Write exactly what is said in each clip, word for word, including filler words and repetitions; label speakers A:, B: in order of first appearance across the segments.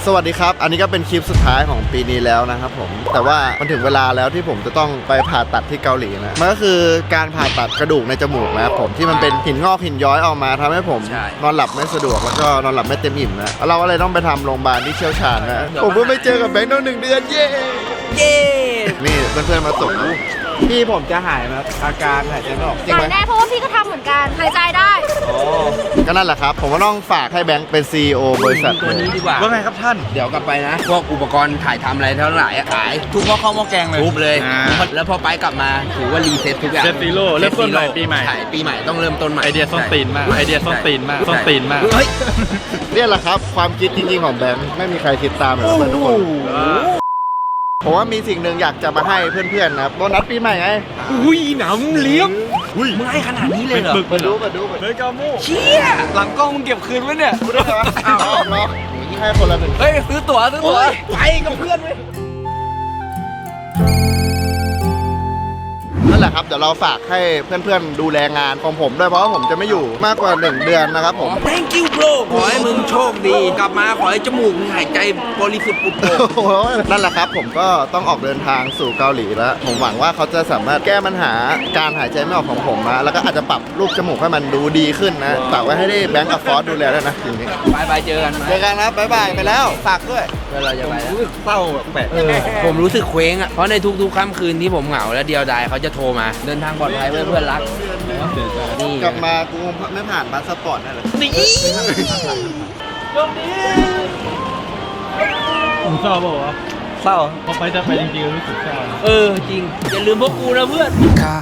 A: สวัสดีครับอันนี้ก็เป็นคลิปสุดท้ายของปีนี้แล้วนะครับผมแต่ว่ามันถึงเวลาแล้วที่ผมจะต้องไปผ่าตัดที่เกาหลีนะมันก็คือการผ่าตัดกระดูกในจมูกนะครับผมที่มันเป็นหินงอกหินย้อยออกมาทำให้ผมนอนหลับไม่สะดวกแล้วก็นอนหลับไม่เต็มอิ่มนะเราก็เลยต้องไปทำโรงพยาบาลที่เชี่ยวชาญนะผมเพิ่งไปเจอกับแบงค์ตั้งหนึ่งเดือนเย้เย้นี่เพื่อนๆมาส่งพี่ผมจะหายไหมอาการหายใจไม่ออกจริงไหม
B: หายแน่เพราะว่าพี่ก็ทำเหมือนกันหายใจได้
A: โอ้ก็นั่นแหละครับผมก็ต้องฝากให้แบงค์เป็น ซี อี โอ บริษัท
C: ตัวนี้ดีกว่า
A: ว่าไงครับท่าน
C: เดี๋ยวกลับไปนะพวกอุปกรณ์ถ่ายทำอะไรทั้งหลายขายทุกหม้อข้าวหม้อแกงเลยทุบเลยแล้วพอไปกลับมาถือว่ารีเซ็ตทุกอย่าง
D: เซตซีโร่เริ่มต้นใหม่ปีใหม่
C: ปีใหม่ต้องเริ่มต้นใหม่
D: ไอเดียส้นตีนมากไอเดียส้นตีนมากส้นตีนมาก
A: เนี่ยแหละครับความคิดจริงๆของแบงค์ไม่มีใครคิดตามเลยเพื่อนทุกคนผมว่ามีสิ่งหนึ่งอยากจะมาให้เพื่อนๆนะครับโบนัสปีใหม่ไง
D: อุ้ยหนำเลี้ยง
C: มึงให้ขนาดนี้เลยเหรอ
A: มาดูมาดูมาดู
D: เลยกาโม่
C: เชี่ยหลังกล้องมึงเก็บคืนไว้เนี่ย
A: กูได้เหรออ้าวเหรอให้คนละหนึ่ง
C: เฮ้ยซื้อตั๋วซื้อตั๋วไปกับเพื่อนเว้ย
A: นั่นแหละครับเดี๋ยวเราฝากให้เพื่อนๆดูแลงานของผมด้วยเพราะว่าผมจะไม่อยู่มากกว่าหนึ่งเดือนนะครับผม
C: thank you bro ขอให้มึงโชคดีกลับมาขอให้จมูกมึงหายใจบริสุทธิ์ปุดโป่ง
A: นั่นแหละครับผมก็ต้องออกเดินทางสู่เกาหลีแล้วผมหวังว่าเขาจะสามารถแก้ปัญหาการหายใจไม่ออกของผมนะแล้วก็อาจจะปรับรูปจมูกให้มันดูดีขึ้นนะฝากไว้ให้ได้แบงก์กับฟอสดูแลด้วยนะจริง
C: ๆบายบายเจอกัน
A: เจอกันครับบายบายไปแล้วฝากด้วย
C: เราจะไปแล้วเศร้าแปลกผมรู้สึกเคว้งอ่ะเพราะในทุกๆค่ำคืนที่ผมเหงาและเดียวดายเขาจะโทรมาเดินทางปลอดภัยเพื่อนเพื่อนรัก
A: นี่กลับมากูไม่ผ่านพาสปอร์ตนั่นแหละ
C: นี่
D: จบดีผมเศร้าเปล่าวะ
C: เศร้า
D: พอไปจะไปจริงๆรู้สึกเศร้า
C: เออจริงอย่าลืมพวกกูนะเพื่อน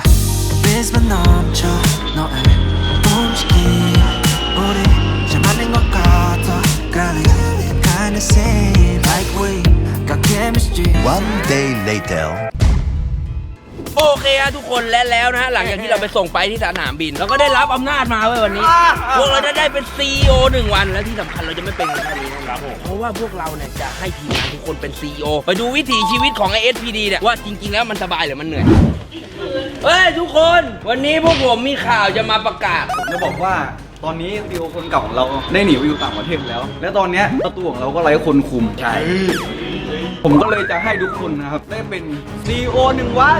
E: One day later
C: โอเคฮะทุกคนและแล้วนะฮะหลังจากที่เราไปส่งไปที่สนามบินเราก็ได้รับอำนาจมาเว้ยวันนี้พวกเราจะได้เป็น ซี อี โอ หนึ่งวันและที่สำคัญเราจะไม่เป็นแค่นี้นะครับเพราะว่าพวกเราเนี่ยจะให้ทีมงานทุกคนเป็น ซี อี โอ ไปดูวิถีชีวิตของ ไอ เอส พี ดี เนี่ยว่าจริงๆแล้วมันสบายหรือมันเหนื่อยเฮ้ยทุกคนวันนี้พวกผมมีข่าวจะมาประกาศ
F: จะบอกว่าตอนนี้ซีอีโอคนเก่าของเราได้หนีไปอยู่ต่างประเทศแล้วและตอนนี้ประตูของเราก็ไร้คนคุม
C: ใช่
F: ผมก็เลยจะให้ทุกคนนะครับได้เป็น ซี อี โอ หนึ่งวัน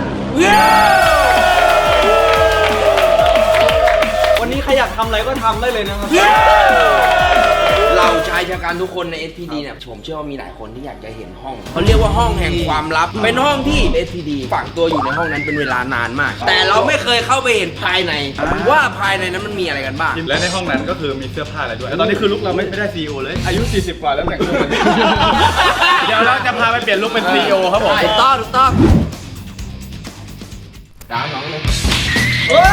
F: วันนี้ใครอยากทำอะไรก็ทำได้เลยนะครับ
C: เราชายชะกันทุกคนใน เอส พี ดี เนี่ยผมเชื่อว่ามีหลายคนที่อยากจะเห็นห้องเขาเรียกว่าห้องแห่งความลับเป็นห้องที่ เอส พี ดี ฝังตัวอยู่ในห้องนั้นเป็นเวลานานมากแต่เราไม่เคยเข้าไปเห็นภายในว่าภายในนั้นมันมีอะไรกันบ้าง
D: และในห้องนั้นก็คือมีเสื้อผ้าอะไรด้วยแล้วตอนนี้คือลุกเราไม่ไม่ได้ ซี อี โอ เลยอายุสี่สิบกว่าแล้วแต่งตัวเดี๋ยวเราจะพาไปเปลี่ยนลุกเป็น ซี อี โอ ครับผม
C: ถูกต้องถูกต้องดาวน้องเลยเฮ้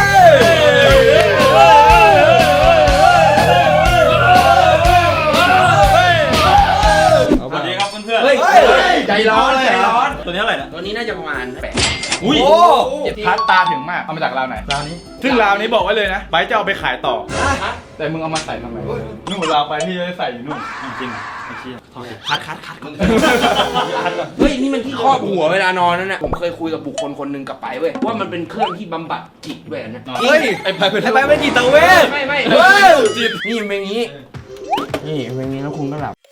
D: สวัสดีครับเพื่อนๆ
C: เฮ้ยใจร้อนใจร้อน
D: ตัวนี้เท่าไหร่นะ
C: ตัวนี้น่าจะประมาณแปด
D: อุ้ยพัดตาถึงมากเอามาจากราวไหนราวนี้ซึ่งราวนี้บอกไว้เลยนะไบร์ทจะเอาไปขายต่อแต่มึงเอามาใส่ทำไมนู่นราวไปที่จะใส่อยู่นู่นจริงไอ้เชี่ย
C: คัดคัดคัดเฮ้ยนี่มันที่ครอบหัวเวลานอนนั่นน่ะผมเคยคุยกับบุคคลคนหนึ่งกับไปเว้ยว่ามันเป็นเครื่องที่บำบัดจิตด้วยนะ
D: เฮ้ยไอ้ไปเป็น
F: ไอ้ไปเป็นจิตเวช
C: ไม่ไม่จิตนี่เป็นอย่างนี้นี่เป็นอย่างนี้แล้วคุณก็หลับ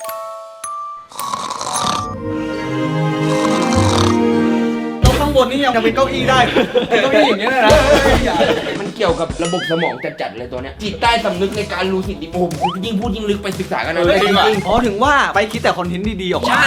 F: ข้างบนนี่ยังเป็นเก้าอี้ได้เก้าอี้อย่างเงี้ยนะ
C: มันเกี่ยวกับระบบสมองจัดๆเลยตัวเนี้ยจิตใต้สำนึกในการรู้สิทธิโอ้โหยิ่งพูดยิ่งลึกไปศึกษากันนะ
F: จริงๆอ๋อถึงว่าไปคิดแต่คอนเทนต์ดีๆออกมา
C: ใช่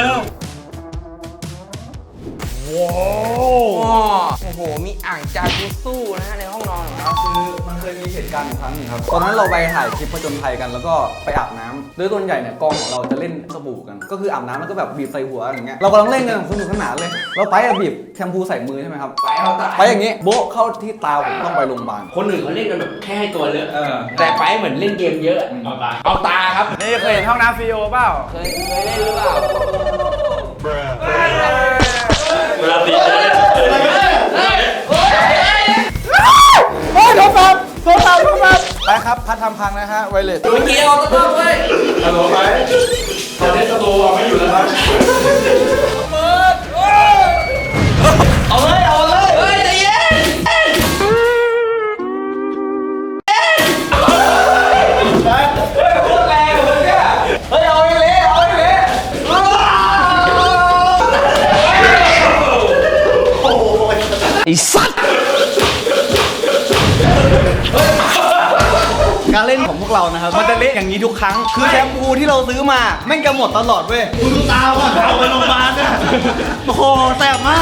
C: โอ้โหมีอ่างจากุสู้นะฮะในห้องนอนของเรา
F: คือมันเคยมีเหตุการณ์ครั้งนึงครับตอนนั้นเราไปถ่ายคลิปผจญภัยกันแล้วก็ไปอาบน้ำโดยส่วนใหญ่เนี่ยกองของเราจะเล่นสบู่กันก็คืออาบน้ำแล้วก็แบบบีบใส่หัวอย่างเงี้ยเรากำลังเล่นกันสนุกสนานเลยเราไปบีบแชมพูใส่มือใช่ไหมครับ
C: ไปเอาตา
F: ไปอย่างงี้โบ๊ะเข้าที่ตาผมต้องไปโรงพยาบาล
C: คนอื่นเขาเล่นกันแบบแค่ให้ตัวเลอะแต่ไปเหมือนเล่นเกมเยอะเอาตาเอาตาครับ
D: นี่เคยเห็นห้องน้ำ ซี อี โอ เปล่า
C: เคยเคยเล่นหรือเปล่า
D: เวลาตีจะเล่น
F: โอ้ยโทรศัพท์โทรศัพท์โทรศัพท์ไปครับพัดทำพังนะฮะไวเลส
C: เมื่อกี้เอาตัวต้องเว้ย
D: ฮัลโหลไปตอนนี้สตูไม่อยู่แล้วครับ
F: เอาเลยเอาเลย
C: เฮ้ยใจเย็น
F: โคตรแรงเลยเนี่ยเฮ้ยเอาไปเลยเอาไปเลย
C: ไอ้สัตว์
F: การเล่นของพวกเรานะครับมันจะเละอย่างนี้ทุกครั้งคือแชมพูที่เราซื้อมาแม่งจะหมดตลอดเว้ยคุณดูตาว่ะเอาไปโรงพยาบาลเนี่ยโอ้โหแสบมาก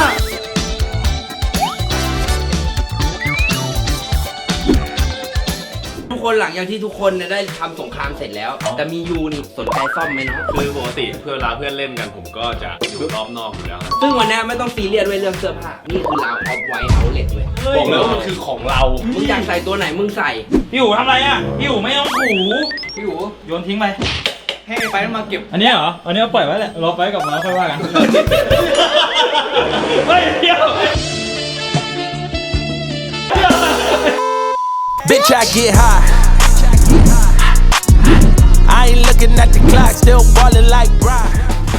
C: ทุกคนหลังจากที่ทุกคนเนี่ยได้ทำสงครามเสร็จแล้ว แต่มียูนี่สนใจซ่อมไหมเนาะ
G: คือปกติเพื่อนเวลาเพื่อนเล่นกันผมก็จะอยู่รอบนอกอยู่แล้ว
C: ซึ่งวันนี้ไม่ต้องซีเรียสด้วยเรื่องเสื้อผ้านี่คือเราออฟไว้เอาเลทเลย
G: บอกเลยว่ามันคือของเรา
C: มึงอยากใส่ตัวไหนมึงใส่
D: พี่อู๋ทำอะไรอ่ะพี่อู๋ไม่ต้องถู
F: พี่อู๋
D: โยนทิ้งไป
F: ให้ไปมาเก็บ
D: อันนี้เหรออันนี้ปล่อยไว้แหละรอไปกับมาค่อยว่ากันเฮ้ยเดี๋ยว
H: Bitch, I get high. I ain't looking at the clock, still ballin' like Brian.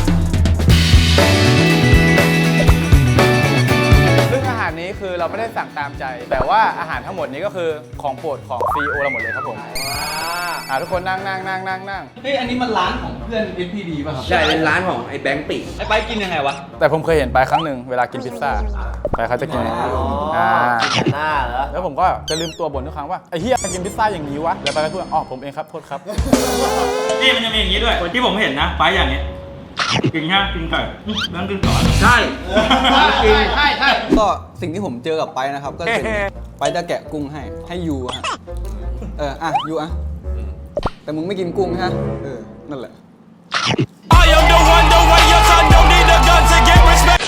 D: ซึ่งอาหารนี้คือเราไม่ได้สั่งตามใจ แต่ว่าอาหารทั้งหมดนี้ก็คือของโปรดของซีอีโอเราหมดเลยครับผมอ่าทุกคนนั่งนั่งนั่งนั่งนั่ง
F: เฮ้ยอันนี้มันร้านของเพื่อน เอส พี ดี ป่ะครับ
C: ใช่เป็นร้านของไอ้แบงค์ปี
F: ไอ้ไปกินยังไงวะ
D: แต่ผมเคยเห็นไปครั้งหนึ่งเวลากินพิซซ่าไปเขาจะกินอย่างนี้อ่า
F: หน้าเหรอ
D: แล้วผมก็จะลืมตัวบ่นทุกครั้งว่าไอ้เฮียกินพิซซ่าอย่างนี้วะแล้วไปก็พูดอ๋อผมเองครับโทษครับนี่มันจะมีอย่างนี้ด้วยที่ผมเห็นนะไปอย่างนี้กินแค่กินไก่นั่งกินก่อน
C: ใช่จริง
F: ใช่ใช่ก็สิ่งที่ผมเจอกับไปนะครับ ก็คือไปจะแกะกุ้งให้ให้ยูฮะเอออ่ะยูอ่ะแต่มึงไม่กินกุ้งฮะเออนั่นแหละ
H: I am the one, the way your son don't need a gun to get respect.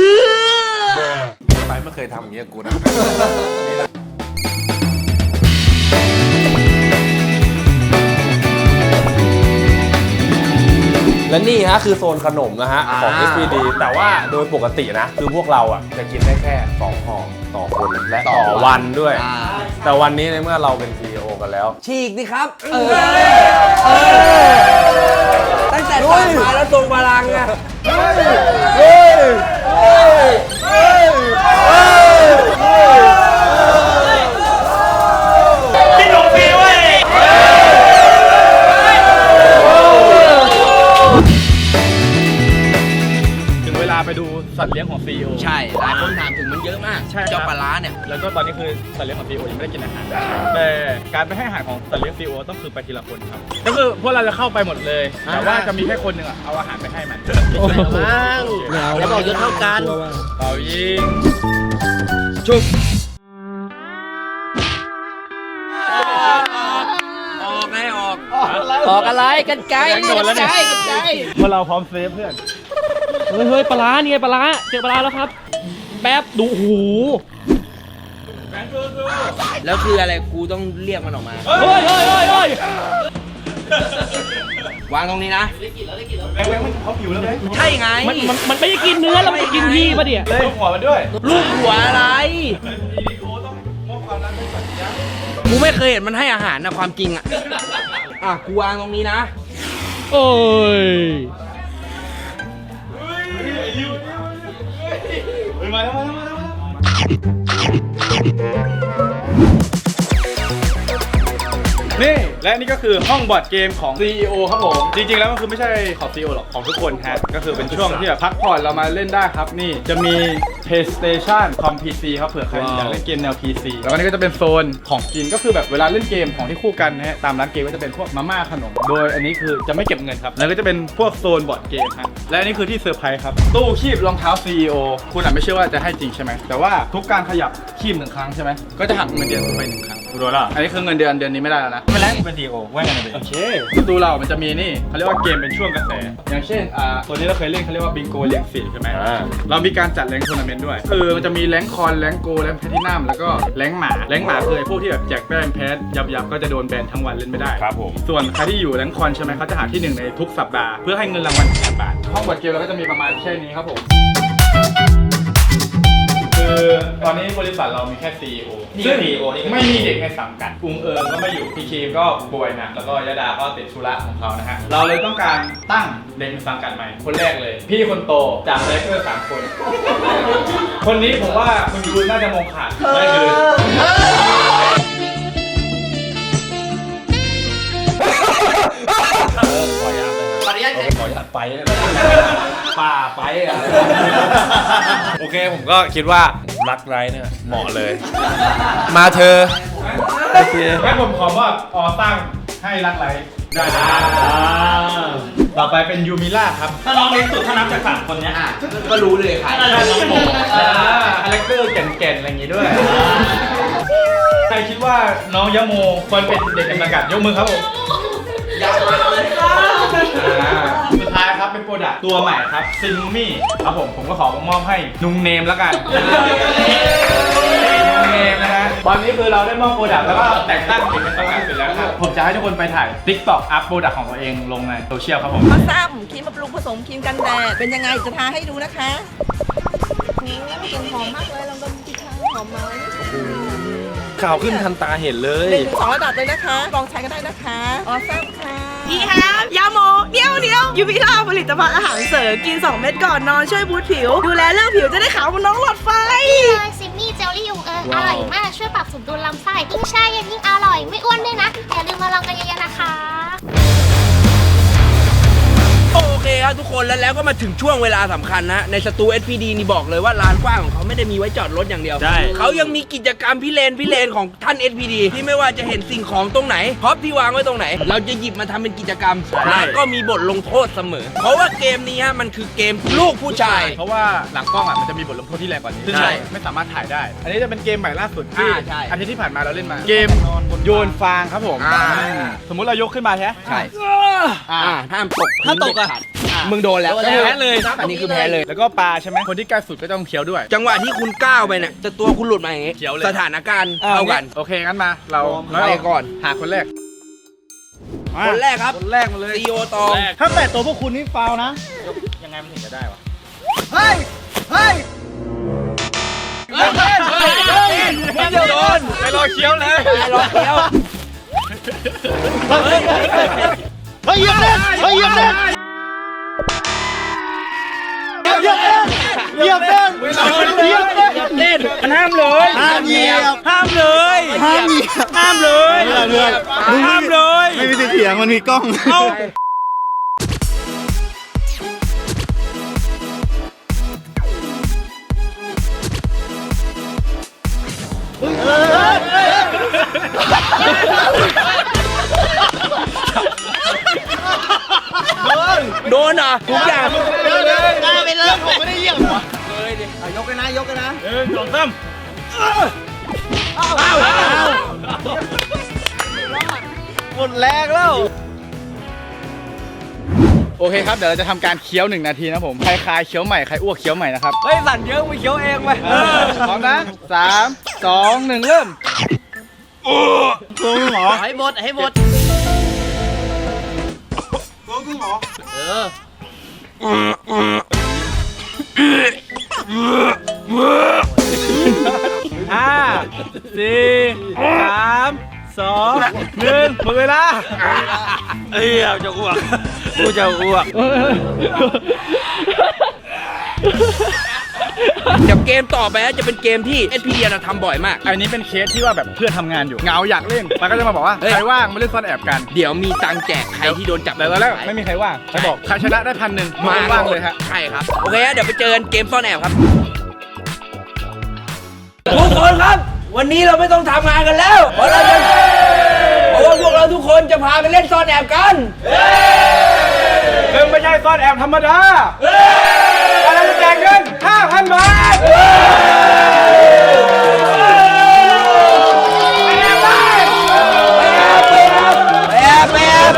G: ไปไม่เคยทำอย่างเงี้ยกูนะ
I: และนี่ฮะคือโซนขนมนะฮะของ เอส พี ดี แต่ว่าโดยปกตินะ คือพวกเราอ่ะจะกินได้แค่สองห่อต่อคนและต่อวันด้วย แต่วันนี้ในเมื่อเราเป็น ซี อี โอ กันแล้ว
C: ฉีกดิครับเออตั้งแต่ตอนมาแล้วทรงพลังอะ
D: พี่หนุ่มฟรีเว้ยถึงเวลาไปดูสัตว์เลี้ยงของ ซี อี โอ
C: ใช่หลายคนถามถึงมันเยอะมาก
D: ใช่ครับ
C: เจ้าปลาร้าเนี่ย
D: แล้วก็ตอนนี้คือสัตว์เลี้ยงของ ซี อี โอ ยังไม่ได้กินอาหารแต่การไปให้อาหารของสัตว์เลี้ยง ซี อี โอ ต้องคือไปทีละคนครับก็คือพวกเราจะเข้าไปหมดเลย แต่ว่าจะมีแค่คนหนึ่งอะเอาอาหารไปให้มัน
C: แล้วบอกจะเท่ากัน
D: เป่ายิง
C: ชุบออกไงออก ออกอะไรกันไกล
D: โดนแล้วเนี่ย
C: กันไกล
D: พวกเราพร้อมเซฟเพื่อน
J: เฮ้ยเฮ้ยปลาร้านี่ไงปลาร้าเจอปลาร้าแล้วครับ แป๊บดูหู
C: แล้วคืออะไรกูต้องเรียกมันออกมา
J: เฮ้ยเฮ้ยเฮ้ยเฮ้ยว
C: างตรงนี้นะ
D: แบงค์แบงค์มันเขาผิวแล้วไหม
C: ใช่ไง
J: มันมันมันไม่ได้กินเนื้อแล้วมันจะกินพี่ปะเนี่ย
D: เลยหัวมันด้วย
C: ลูกหัวอะไร
D: ดีโอต้องมอบความรักให้สัตว์เลี้ยง
C: กูไม่เคยเห็นมันให้อาหารนะความจริงอ่ะ อ่ะกูวางตรงนี้นะ
J: โอ้ย
D: เฮ้ยมาแล้วมาแล้วมาแล้วนี่และนี่ก็คือห้องบอร์ดเกมของ ซี อี โอ ครับผมจริงๆแล้วมันคือไม่ใช่ของ ซี อี โอ หรอกของทุกคนฮะก็คือเป็นช่วงที่แบบพักผ่อนเรามาเล่นได้ครับนี่จะมี PlayStation คอม พี ซี ครับเผื่อใครอยากเล่นเกมแนว พี ซี แล้วก็นี่ก็จะเป็นโซนของกินก็คือแบบเวลาเล่นเกมของที่คู่กันนะฮะตามร้านเกมก็จะเป็นพวกมาม่าขนมโดยอันนี้คือจะไม่เก็บเงินครับแล้วก็จะเป็นพวกโซนบอร์ดเกมฮะและอันนี้คือที่เซอร์ไพรส์ครับตู้คีบรองเท้า ซี อี โอ คุณอาจไม่เชื่อว่าจะให้จริงใช่ไหมแต่ว่าทุกการขยับคีบหนึ่งครั้งใช่ไหมก็จะหักเงินเดือนไปหนึ่งครั้งกูรู้แล้วอันนี้คือเงินเดือนเดือนนี้ไม่ได้แล้วนะไม่แล้วเป็น ซี อี โอ ว่าไงนะโอเคประตูเรามันจะมีนี่เขาเรียกว่าเกมเป็นช่วงกระแสอย่างเช่นอ่าตัวนี้เราเคยเล่นเขาเรียกว่าบิงโกเลี้ยงสีใช่ไหมเรามีการจัดแรงทัวร์นาเมนต์ด้วยคือมันจะมีแรงคอนแรงโกแรงแพทินัมแล้วก็แรงหมาแรงหมาคือไอ้พวกที่แบบแจกแป้งแพทยับยับก็จะโดนแบนทั้งวันเล่นไม่ได้ครับผมส่วนใครที่อยู่แรงคอนใช่ไหมเขาจะหาที่หนึ่งในทุกสัปดาห์เพื่อให้เงินรางวัลแสนบาทห้องบอร์ดเกมเราก็จะมีประมาณแค่นี้ครับผมคือตอนนี้บริษัทเรามีแค่ ซี อี โอ ซึ่งไม่มีเด็กในสังกัดอุงเอิญก็ไม่อยู่พีเคก็ป่วยหนักแล้วก็ยดาก็ติดธุระของเขานะฮะเราเลยต้องการตั้งเด็กในสังกัดใหม่คนแรกเลย พี่คนโตจากเลเวอร์สามคน คนนี้ผมว่าคุณยูน่าจะมองขาดไม่คือขออนุญาตเลยขออนุญาตขออนุญาตไปเลยป่าไปอ่ะ
I: โอเคผมก็คิดว่ารักไร้เนี่ยเหมาะเลย มาเธอ
D: โอเคงั้นผมขอมอบออตั้งให้รักไรได้เลยต่อไปเป็นยูมิล่าครับถ้าน้องเล็กสุดถ้านับจากสามคนเนี้ย
C: ก็รู้เลยใคร
D: น่าจะน้องโมคาแรคเตอร์แก่นๆอะไรอย่างงี้ด้วยใครคิดว่าน้องยะโมควรเป็นเด็กกำลังกัดยกมือครับผม
C: อยากมาเลย
D: สุดท้ายครับเป็นโปรดักต์ตัวใหม่ครับซินมี่ครับผมผมก็ขอมอบให้นุงเนมแล้วกันนุงเนมนะฮะตอนนี้คือเราได้มอบโปรดักต์แล้วก็แต่งตั้งเป็นตัวงานเสร็จแล้วครับผมจะให้ทุกคนไปถ่าย TikTok อัพโปรดักต์ของตัวเองลงในโซเชียลครับผม
K: มาซ้ำครีมบำรุงผสมครีมกันแดดเป็นยังไงจะทาให้ดูนะคะกลิ่นหอมมากเลยลองดมสิคะหอมไหม
I: ข่าวขึ้นทันตาเห็นเลย
K: หนึ่งถึงสองระดับเลยนะคะลองใช้กันได้นะคะออซ้ำค่ะพี่ครับยาโมเดี๋ยวเดี๋ยวยูวิล่าผลิตภัณฑ์อาหารเสริมกินสองเม็ดก่อนนอนช่วยบูสต์ผิว ดูแลเรื่องผิวจะได้ขาวเหมือนน้องหลอดไฟ
B: นี่เลยซิมมี่เจลลี่ยูเอออร่อยมากช่วยปรับสมดุลลำไส้ยิ่งแช่เย็นยิ่งอร่อยไม่อ้วนด้วยนะอย่าลืมมาลองกันเยอะๆนะคะ
C: โอเคครับทุกคนแล้วแล้วก็มาถึงช่วงเวลาสำคัญนะในสตู เอส พี ดี นี่บอกเลยว่าลานกว้างของเขาไม่ได้มีไว้จอดรถอย่างเดียว
I: ใช่
C: เขายังมีกิจกรรมพิเรนพิเรนของท่าน เอส พี ดี ที่ไม่ว่าจะเห็นสิ่งของตรงไหนพร็อพที่วางไว้ตรงไหน เราจะหยิบมาทำเป็นกิจกรรมและก็มีบทลงโทษเสมอ เพราะว่าเกมนี้ฮะมันคือเกมลูกผู้ชาย
D: เพราะว่าหลังกล้องอ่ะมันจะมีบทลงโทษที่แรงกว่านี้ซึ่ง
C: ใช่
D: เราไม่สามารถถ่ายได้ อันนี้จะเป็นเกมใหม่ล่าสุดที่
C: อ่าใช่
D: อาทิตย์ที่ผ่านมาเราเล่นมา เกมโยนฟางครับผม
C: อ่า
D: สมมุติเรายกขึ้นมาใช่ไหม
C: ใช่
D: อ่า
C: อ่าห้ามตก
D: ถ้าตกอะ
C: มึงโดนแล้ว
D: ก็คือแพ้เลย
C: อันนี้คือแพ้เลย
D: แล้วก็ปลาใช่ไหมคนที่ใกล้สุดก็ต้องเคี้ยวด้วย
C: จังหวะที่คุณก้าวไปเนี่ยจะตัวคุณหลุดมาอย่างงี้
D: เขียวเลย
C: สถานการณ์เท่ากัน
D: โอเคงั้นมาเรา
C: ไปก่อน
D: หาคนแรก
C: คนแรกครับ
D: คนแรกมาเลย
C: ซีโอตอง
D: ถ้าแปดตัวพวกคุณนี่ฟาวนะ ยังไงมันถึงจะได้วะ เฮ้ย เฮ้ย
C: เฮ้ยเฮ้ยเฮ้ยเฮ้ยไม่โดน
D: ไปรอเคี้ยวเลย
C: ไปรอเคี้ยว
D: เฮ้ยเฮ้ยเหยียบเล่นเฮ้ยเหยียบเล่นเหยียบเล่นเหยียบเล่นเหยียบเล่น
C: เล่นมันห้ามเลยห้ามเหยียบห้ามเลยห้ามเหยียบห้ามเลยห้ามเลย
A: ไม่มีสิทธิ์เถียงมันมีกล้อง
C: เอา โดนอ่ะทุกอย่าง
A: ได้ไปเลยผมไม่ได้เหยียบเลยดิยกกันนะยกกันนะ
D: หนึ่งสองสาม
A: หมดแรงแล้ว
D: โอเคครับ เดี๋ยวเราจะทำการเคี้ยวหนึ่งนาทีนะผม ใครคายเคี้ยวใหม่ ใครอ้วกเคี้ยวใหม่นะครับ
F: เฮ้ยสั่นเยอะไปเคี้ยวเองไป
D: พร้อมนะสามสองหนึ่งเริ่มตัวหมอ
C: ให้หมดให้หมด
D: ห้าสี่สามสองหนึ่งหมดเวลา
I: เอ้ยจะอ้วกกูจะอ้วก
C: เดี๋ยวเกมต่อไปจะเป็นเกมที่ เอส พี ดี เราทำบ่อยมาก
D: อันนี้เป็นเคสที่ว่าแบบเพื่อนทำงานอยู่เหงาอยากเล่นมันก็จะมาบอกว่า
C: เฮ้ย
D: ใครว่างมาเล่นซ่อนแอบกัน
C: เดี๋ยวมีตังค์แจกใครที่โดนจับ
D: แต่ตอนแรกไม่มีใครว่างใครบอกใครชนะได้พันหนึ่ง
C: มา
D: ว่างเลยฮะ
C: ใช่ครับ โอเคฮะเดี๋ยวไปเจอกันเกมซ่อนแอบครับ ทุกคนครับ วันนี้เราไม่ต้องทำงานกันแล้ว เพราะเราจะเพราะว่าพวกเราทุกคนจะพาไปเล่นซ่อนแอบกัน
D: ซึ่งไม่ใช่ซ่อนแอบธรรมดาเราจะแจกเงิน ห้าพัน บาทไปแอบไป
C: ไปแอบไปแอบไปแอบ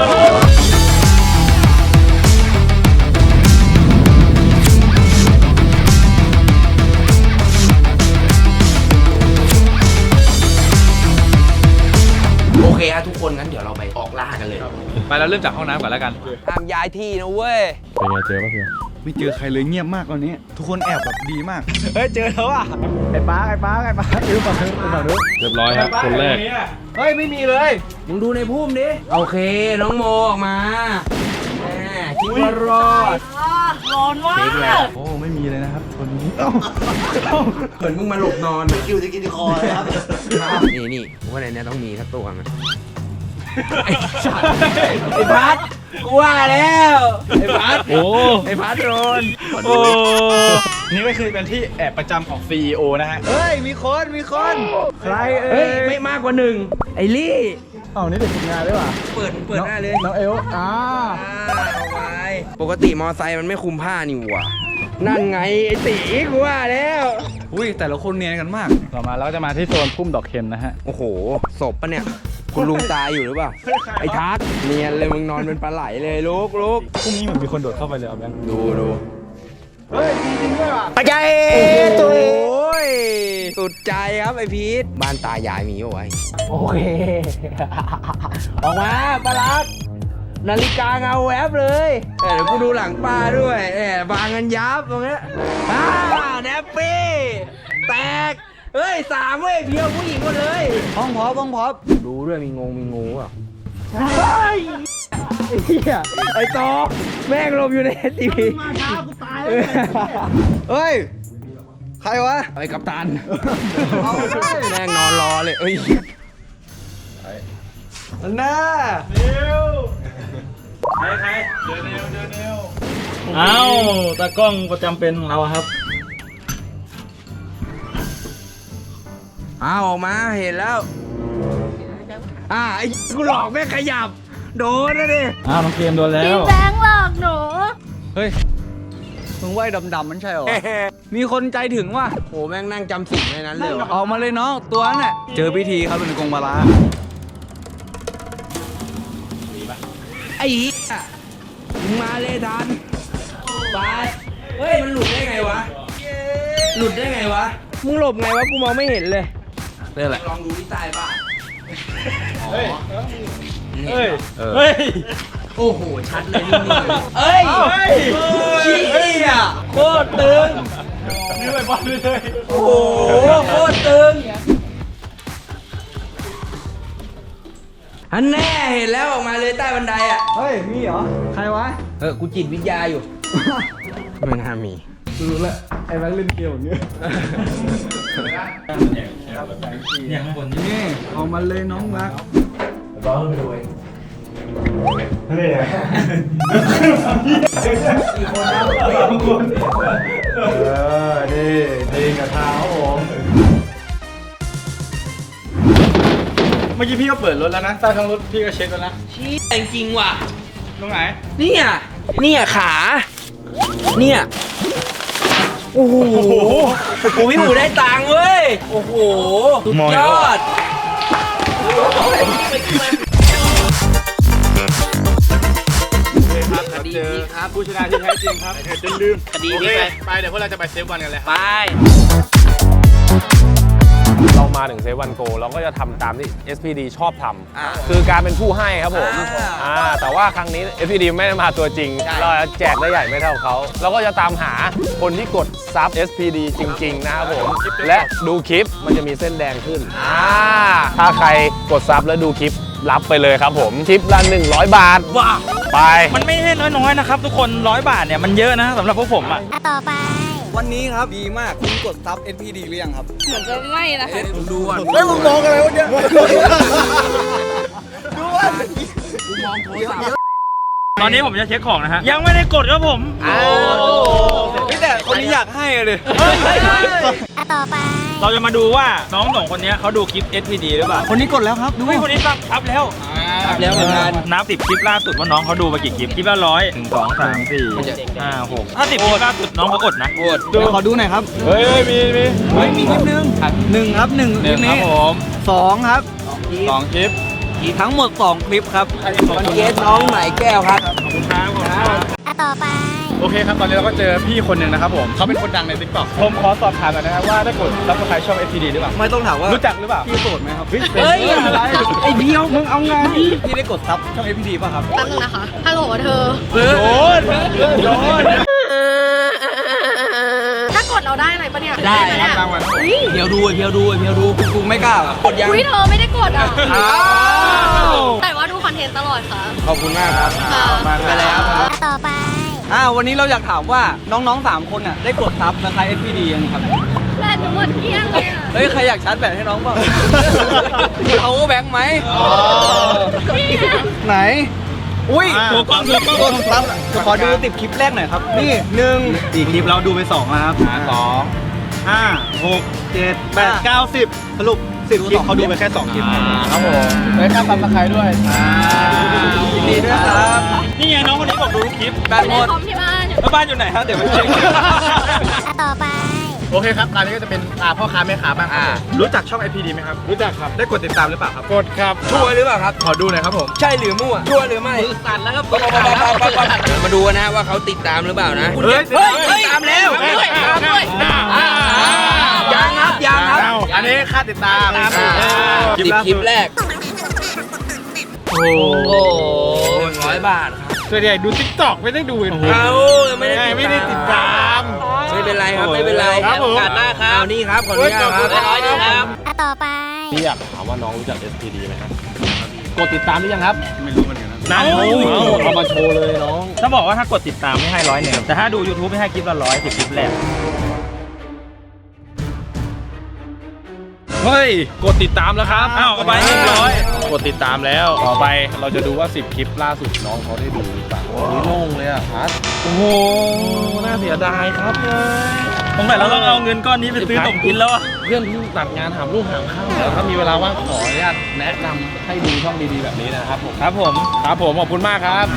C: โอเคฮะทุกคนงั้นเดี๋ยวเราไปออกล่ากันเลย
D: ไปเราเริ่มจากห้องน้ำก่อนแล้วกัน
C: ห้ามย้ายที่นะเว้ย
D: ไม่เจอใครเลยเงียบมากตอนนี้ ทุกคนแอบแบบดีมาก เฮ้ยเจอแล้วอ่ะไอ้ป้าไอ้ป้าไอ้ป้าไอ้ฝั่งนู้นไอ้ฝั่งนู้น
I: เรียบร้อยครับ คนแรก
C: เฮ้ย ไม่มีเลย มึงดูในพุ่มดิ โอเค น้องโมออกมาแหมคิดว่ารอด
K: ร้อนว่า
C: เช็คแล้ว
D: โอ้ไม่มีเลยนะครับคนนี้
C: เหมือนมึงมาหลบนอนคิวจะกินคอเลยครับ นี่นี่ผมว่าในนี้ต้องมีสักตัวนะไอ้สัตว์ไอ้พัดกูว่าแล้วไอ้พัด
J: โอ้
C: ไอ้พัดโดน
J: โอ้
D: นี่ก็คือเป็นที่แอบประจำของ ซี อี โอ นะฮะ
F: เฮ้ย มีคน มีคน ใครเอ่
C: เฮ้ย
F: ย
C: ไม่มากกว่าหนึ่งไอ้ลี่
F: เอ้านี่เด็กฝึกงานด้วยว่ะ
C: เปิดเปิดหน้าเลย
F: น้องเอลอ่า
C: เอาไว้ปกติมอไซค์มันไม่คุมผ้านี่หว่านั่นไงไอ้ตีกูว่าแล้ว
F: อุ้ยแต่ละคนเนียนกันมาก
D: ต่อมาเราก็จะมาที่โซนพุ่มดอกเข็มนะฮะ
C: โอ้โหศพปะเนี่ยคุณลุงตายอยู่หรือเปล่าไอ้ทัศน์เนียนเลยมึงนอนเป็นปลาไหลเลยลูกลูก
D: พรุ่งนี้เหมือนมีคนโดดเข้าไปเลยเอาแบงค์
C: ดูดู
F: เฮ้ยจริงๆด้วยว่ะ
C: ไปใจตัวโอ้ยสุดใจครับไอพีทบ้านตายายมีเอาไว้โอเคออกมาปลาลัดนาฬิกาเงาแวบเลยเอ้ยเดี๋ยวกูดูหลังปลาด้วยเอ้ยบางกันยับตรงเนี้ยอ้าวแนปปี้แตกเฮ้ยสามเว้ยเพียวผู้หญิงหมดเลย
F: ห้องพอปห้องพอป
C: ดูด้วยมีงงมีงูอ่ะไอ้เหี้ยไอ้ตอแม่งลมอยู่ในทีวีมาช้ากูตายแล้ว
F: เฮ้ย ใครวะ
C: ไอ้กัปตันแม่งนอนรอเลยเอ้ย
F: อันน่า
D: ใครใครเดินเร็วเดินเร็ว
J: เอ้าตากล้องประจำเป็นของเราครับ
C: อ้าวออกมาเห็นแล้วอ่าไอ้กูหลอกแม่งขยับโดนนะดิ
J: อ้าวน้องเกมโดนแล้ว
B: แบงค์หลอกหนู
F: เฮ้ย มึงว่ายดำๆมันใช่เหรอ มีคนใจถึงว่ะ
C: โอ้แม่งนั่งจำสิ่งในนั้นเลยว่ะ
F: ออกมาเลยน้อง ตัวนั้นน่ะ เจอพิธีครับเป็นกงบาลา
C: ไอ้เหี้ยมึงมาเลยทันไปเฮ้ยมันหลุดได้ไงวะหลุดได้ไงวะมึงหลบไงวะกูมองไม่เห็นเลย
F: นี่แหละ
C: ลองดูที่ใต้บ้าน
D: เฮ้ย
C: เฮ้ย
D: เฮ้ย
C: โอ้โห ชัดเลยนี่เอ้ยชี้อ่ะโคตรตึง
D: นี่ไปบอลเลย
C: โอ้โห โคตรตึงอันแน่เห็นแล้วออกมาเลยใต้บันไดอ่ะ
F: เฮ้ย มีเหรอ ใครวะ
C: เออ กูจิตวิทยาอยู่ ไม่น่ามี
F: รู้แล้วไอ้แบงค์เล่นเกมอย่างเงี้ย
J: เนี่ยข้างบนนี่
F: นี่เอามาเลยน้องรัก
D: บ้าไปด้วยนี่ไงกี่คนนะสามคนเออนี่ดีกับเท้าผม เมื่อกี้พี่ก็เปิดรถแล้วนะใต้ท้องรถพี่ก็เช็คแล้วนะ
C: ชี้จริงๆว่ะ
D: ตรงไหน
C: เนี่ยเนี่ยขา เนี่ย โอ้โหกูพี่หมูได้ตังค์เว้ย โอ้โห สุดยอด
D: คดีนี้ครับผู้ชนะที่แท้จริงครับจนลืม
C: คดีนี้ไป
D: ไปเดี๋ยวพวกเราจะไปเซฟวันกันเลยครับ
C: ไป
I: เรามาถึงเซเวันโกเราก็จะทำตามที่ เอส พี ดี ชอบทำคือการเป็นผู้ให้ครับผม
C: อ่า
I: อ่าแต่ว่าครั้งนี้ เอส พี ดี ไม่ได้มาตัวจริง เราจะแจกได้ใหญ่ไม่เท่าเขาเราก็จะตามหาคนที่กดซับ เอส พี ดี จริง ๆ นะครับผม และดูคลิปมันจะมีเส้นแดงขึ้นอ่าถ้าใครกดซับแล้วดูคลิปรับไปเลยครับผมคลิปละหนึ่งร้อยบาท
J: ว้า
I: ไป
J: มันไม่ใช่น้อยๆนะครับทุกคนร้อยบาทเนี่ยมันเยอะนะสำหรับพวกผมอ่ะ
B: ต่อไป
F: วันนี้ครับดีมากคุณกดซับ เอส พี ดี หรือยังครับ
K: เหมือนจะไม่นะคะ
C: ดูก่อน
F: เฮ้ยมึงมองอะไรวะเนี่ยดูว่า
J: ตอนนี้ผมจะเช็คของนะฮะยังไม่ได้กดครับผม
C: อ้าว
F: พี่แต่คนนี้อยากให้เลย
B: ต่อไป
J: เราจะมาดูว่าน้องสองคนนี้เขาดูคลิป เอส พี ดี หรือเปล่า
F: คนนี้กดแล้วครับดู
J: เฮ้ยคนนี้ซับซับแล้ว
C: ซับแล้วเหมือนกัน
J: นับสิบคลิปล่าสุดว่าน้องเขาดูมากี่คลิปคลิปละร้อยหนึ่งสองสามสี่ห้าหกถ้าสิบคลิปล่าสุดน้องเขากดนะ
C: โคตร
F: เดี๋ยวขอดูหน่อยครับ
D: เฮ้ยมีมี
F: เฮ้ยมีคลิปหนึ่งหนึ่งครับหนึ่งคลิป
J: ครั
F: นี้
J: บผม
F: สองครับ
D: สองคลิป
F: ทั้งหมดสองคลิปครับ
C: มันเกสน้องไหนแก้วครับ
J: ขอบคุณครับขอบคุณครับ
B: ต่อไป
D: โอเคครับ ตอนนี้เราก็เจอพี่คนหนึ่งนะครับผมเขาเป็นคนดังใน ติ๊กต็อก ผมขอสอบถามหน่อยนะครับว่าได้กดรับสไครช่อง เอส พี ดี หรือเปล่า
F: ไม่ต้องถามว่า
D: รู้จักหรือเปล่า
F: พี่โสดไหมครับ
C: เฮ้ย
F: อะไร
C: ไอ้เพียวมึงเอาไง
F: พี่ได้กดซับช่อง เอส พี ดี ป่ะครับ
K: แป๊บนึงนะคะ ฮัลโหลเธอ
D: โดนโดน
K: ถ้ากดเราได้อะไรปะเนี่ย
C: ได้
K: หมเนี่ย
D: รางวัล
K: อุ้ย
C: เพียวดูเพียวดูเพียวดู
F: กูไม่กล้าอ่ะ
C: กดยัง
K: อุ้ยเธอไม่ได้กดอ่ะ
C: อ้าว
K: แต่ว่าดูคอนเทนต์ตลอดค่ะ
C: ขอบคุณมากครับ
K: ค่ะ
C: มาแล้ว
B: ต่อไป
F: อ่าวันนี้เราอยากถามว่าน้องๆสามคนอ่ะได้กดซับสไคร เอส พี ดี ยังครับ
B: แบตหนูหมดเกลี้ยงเลยอ่ะ
F: เฮ้ย ใครอยากชาร์จแบตให้น้องบ้าง
C: เอาแบงค์ไหม
A: ไหน
F: อุ้ย
J: โชว์กล้องโชว์กล้องโชว์กล้อง
F: ขอดูติดคลิปแรกหน่อยครับ นี่หนึ่ง
J: สี่คลิปเราดูไปสองแล้วครับสองห้าหกเจ็ดแปดเก้าสิบสรุปสิบคลิปเขาดูไปแค่สองคลิป
I: ครับผมได้ค่าซับสไครต์ด้วย
F: ยินดีด้วยครับ
J: นี่ไงน้องคนนี้บอกดูทุกคลิป
F: แบตหมด
B: คอมที่บ้าน
J: แล้วบ้านอยู่ไหนครับเดี๋ยวไปเช็ค
B: ต่อไป
I: โอเคครับร้านนี้ก็จะเป็นอ่าพ่อค้าแม่ค้าบ้างครับ
C: อ่า
J: รู้จักช่อง ไอ พี ดี ไหมครับ
I: รู้จักครับ
J: ได้กดติดตามหรือเปล่าครับ
I: กดครับ
C: ชัวร์หรือเปล่าครับ
I: ขอดูหน่อยครับผม
C: ใช่หรือมั่วชัวร์หรือไม่สั่นแล้วครับมาดูนะว่าเขาติดตามหรือเปล่านะ
J: เฮ้ย
C: เฮ้ยติดตามแล้วตามด้วยยังครับยังครับ
I: อันนี้ค่าติดตาม
C: สิบคลิปแรกโอ้โหหนึ่งร้อยบาทครับ
I: ส่วนใหญ่ดูทิกตอกไม่ได้ดูเห็น
C: เอาไม่ได้
I: ไม่ได้ติดตาม
C: ไม่เป็นไรครับไม่เป็นไร
I: ครับผม
C: โอกาสหน้าครับเอานี่ครับขออนุญาตครับร้อยนึงครับ
B: ต่อไป
I: พี่อยากถามว่าน้องรู้จัก เอส พี ดี ไหมครับกดติดตามหรือยังครับ
J: ไม่รู้เหมือนกันนะ
I: นั่นเอามาโชว์เลยน้อง
J: ถ้าบอกว่าถ้ากดติดตามไม่ให้ร้อยหนึ่งแต่ถ้าดู YouTube ไม่ให้คลิปละร้อยสิบคลิปแรก
I: เฮ้ยกดติดตามแล้วครับ
J: อ้าวเอาไปเรียบร้อย
I: กดติดตามแล้วต่อไปเราจะดูว่าสิบคลิปล่าสุดน้องเขาได้ดูหรือเปล่าโอ้ยโล่งเลยอ่ะพัดโอ้โหน่าเสียดายครับ
J: ตรงไหนเราต้องเอาเงินก้อนนี้ไปซื้อขนมกินแล้วอะ
I: เพื่อนที่ตัดงานหามลูกหามข้าวแล้วถ้ามีเวลาว่างขออนุญาตแนะนำให้ดูช่องดีๆแบบนี้นะครับผม
J: ครับผม
I: ครับผมขอบคุณมากครับ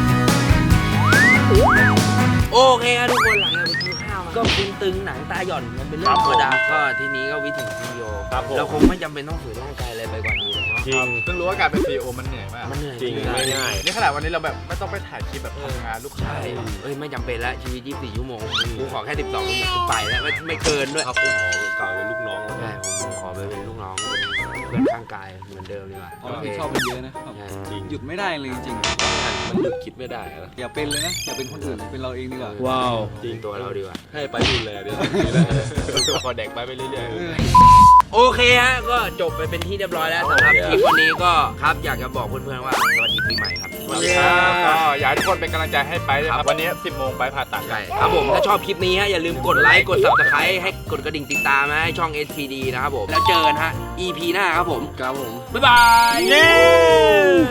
C: โอเคครับทุกคนหลังจากไปกินข้าวมาก็ตึงๆหนังตาหย่อนมันเป็นเรื่องธรรมดาก็ทีนี้ก็วิถีซีอีโอ
I: ครับผม
C: เราคงไม่จำเป็นต้องฝืนร่างกายอะไรไปกว่านี้แล้วเนาะ
I: จริง
D: เพิ่งรู้ว่าการเป็นซีอีโอมันเหนื่อยมาก
C: มันเหนื่อย
I: จริงไม่ง่าย
D: นี่ขนาดวันนี้เราแบบไม่ต้องไปถ่ายคลิปแบบทำงานลูกค้า
C: ใช่เอ้ยไม่จำเป็นแล้วชีวิตยี่สิบสี่ชั่วโมงกูขอแค่สิบสองชั่วโมงกูไปแล้วไม่ไม่เกินด้วย
I: ครับผมขอกล่าวเป็นลูกน้อง
C: ใช่ผมขอไปเป็นลูกน้องเป็นเพื่อนข้างกายเหมือนเดิมดีกว่า
F: เราชอบมันเยอะนะ
C: ใช่
I: จริง
F: หยุดไม่ได้เลยจริง
I: มันหยุดคิดไม่ได้นะ
F: ๆอย่าเป็นเลยนะ อย่าเป็นคนอื่นเป็นเราเองดีกว่า
J: ว้าว
C: จริงตัวเราดีกว่า
I: ให้ไปดูแลเดี๋ยวพอเด็กไปไปเรื่อยๆ
C: โอเคฮะก็จบไปเป็นที่เรียบร้อยแล้วสำหรับคลิปวันนี้ก็ครับอยากจะบอกเพื่อนๆว่าสวัสดีปีใหม่ครับ
D: สวัสดีครับก็อยากให้ทุกคนเป็นกำลังใจให้ไปด้วยครับวันนี้สิบโมงไปผ่าตัด
C: ใช่ครับผมถ้าชอบคลิปนี้ฮะอย่าลืมกดไลค์กด Subscribe ให้กดกระดิ่งติดตามนะให้ช่อง เอส พี ดี นะครับผมแล้วเจอกันฮะ อี พี หน้าครับผม
F: ครับผม
C: บ๊ายบาย
J: เย้